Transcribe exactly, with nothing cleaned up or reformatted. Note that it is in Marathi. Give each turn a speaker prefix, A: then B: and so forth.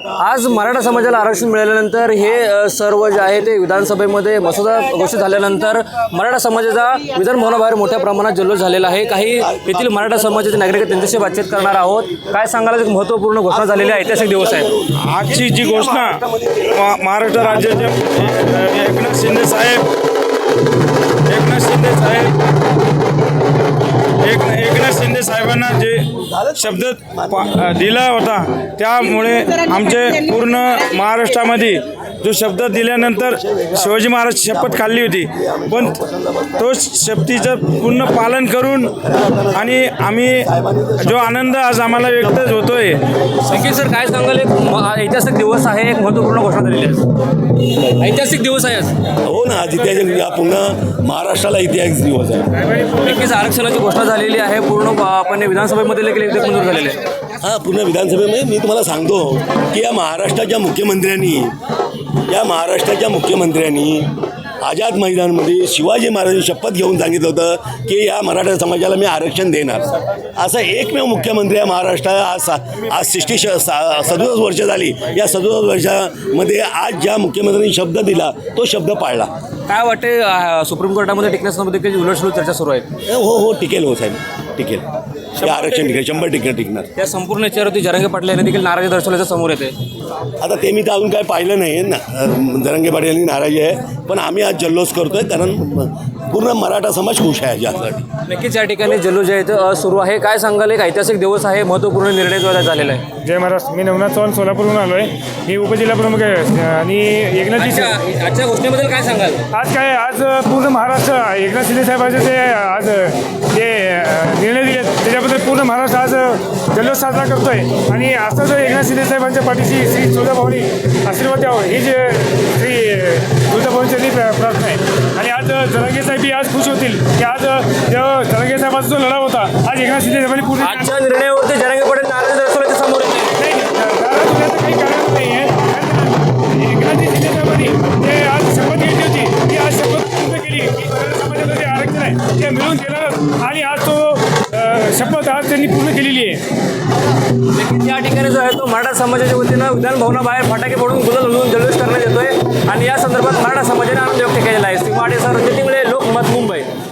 A: आज मराठा समाजाला आरक्षण मिळाल्यानंतर हे अ, सर्व जे आहे ते विधानसभेमध्ये मसुदा घोषित झाल्यानंतर मराठा समाजाचा विधान भवनाबाहेर मोठ्या प्रमाणात जल्लोष झालेला आहे। काही येथील मराठा समाजाचे नागरिक आहेत, त्यांच्याशी बातचीत करणार आहोत। काय सांगाल, एक महत्त्वपूर्ण घोषणा झालेली आहे, ऐतिहासिक दिवस आहे
B: आजची जी घोषणा मा- महाराष्ट्र राज्याचे एकनाथ शिंदे साहेब एकनाथ शिंदे साहेब एक एकनाथ शिंदे साहेबांना जे शब्द पा- दिला होता, त्यामुळे आमचे पूर्ण महाराष्ट्रामध्ये जो शब्द दिल्यानंतर शिवाजी महाराज शपथ खाल्ली होती, पण तो शपथीचं पूर्ण पालन करून आणि आम्ही जो आनंद आज आम्हाला व्यक्त होतोय।
A: संकेत सर, काय सांगाल, एक म- ऐतिहासिक दिवस आहे, एक महत्त्वपूर्ण घोषणा झालेली आहे, ऐतिहासिक दिवस आहे आज।
C: हो ना, आज इतिहास या पूर्ण महाराष्ट्राला इतिहास दिवस आहे।
A: नक्कीच आरक्षणाची घोषणा झालेली आहे, पूर्ण आपण विधानसभेमध्ये देखील एक मंजूर झालेले आहे।
C: हां, पूर्ण विधानसभेमध्ये मी तुम्हाला सांगतो की या महाराष्ट्राच्या मुख्यमंत्र्यांनी या महाराष्ट्राच्या मुख्यमंत्र्यांनी आझाद मैदानमध्ये शिवाजी महाराजांनी शपथ घेऊन सांगितलं होतं की या मराठा समाजाला मी आरक्षण देणार। असं एकमेव मुख्यमंत्री आहे महाराष्ट्राला। आज सा आज सिक्स्टी श सा सदुसष्ट वर्ष झाली। या सदुसष्ट वर्षामध्ये आज ज्या मुख्यमंत्र्यांनी शब्द दिला तो शब्द पाळला।
A: काय वाटते, अ, सुप्रीम कोर्टामध्ये टिकण्यासंबंधी काही उलटसुलट चर्चा सुरू आहे?
C: हो हो टिकेल हो साहेब, टिकेल, हे आरक्षण टिकेल, शंभर टक्के टिकणार।
A: त्या संपूर्ण याच्यावरती जरांगे पाटील यांनी देखील नाराजी दर्शवल्याचं समोर येते।
C: आता ते मी तर अजून काय पाहिलं नाही ना, जरांगे पाटील यांनी नाराजी आहे, पण आम्ही आज जल्लोष करतोय कारण पूर्ण मराठा समाज खुश आहे यासाठी।
A: नक्कीच या ठिकाणी जल्लोष जे आहे ते, अ, सुरू आहे। काय सांगाल, एक ऐतिहासिक दिवस आहे, महत्त्वपूर्ण निर्णय जो झालेला आहे।
B: जय महाराष्ट्र। मी नवनाथ चव्हाण सोलापूरहून आलो आहे। मी उपजिल्हा प्रमुख आहे आणि एकनाथजी
A: आजच्या आजच्या घोषणेबद्दल काय सांगाल?
B: आज काय आज पूर्ण महाराष्ट्र एकनाथ शिंदे साहेबांचे जे आज जे निर्णय दिले त्याच्याबद्दल पूर्ण महाराष्ट्र आज जल्लोष साजरा करतोय आणि असंच एकनाथ शिंदे साहेबांच्या पाठीशी श्री तुळजाभवानी आशीर्वाद द्यावं ही जे श्री तुळजाभवानीची प्रार्थना आहे। आणि आज जरांगे साहेबही आज खुश होतील की आज जेव्हा जरांगे साहेबांचा जो लढा होता, आज एकनाथ शिंदे साहेबांनी पूर्ण
A: आजच्या निर्णयावरती जरांगे पाटील नाराजी दर्शवल्याचं समोर येते।
B: नाही, नाराज होण्याचं काही कारण नाही आहे। एकनाथजी शिंदे साहेबांनी जे आज शपथ घेतली होती, ती आज शपथ पूर्ण केली की मराठा समाजाचं जे आरक्षण आहे ते मिळून देणार आणि आज तो अ, शपथ आज त्यांनी पूर्ण केलेली आहे।
A: नक्कीच या ठिकाणी जो आहे तो मराठा समाजाच्या वतीनं विधान भवनाबाहेर फटाके फोडून गुलाल उधळून जल्लोष करण्यात येतोय आणि या संदर्भात मराठा समाजाने आनंद व्यक्त केलेला आहे। सीमाडे सर, लोकमत, मुंबई।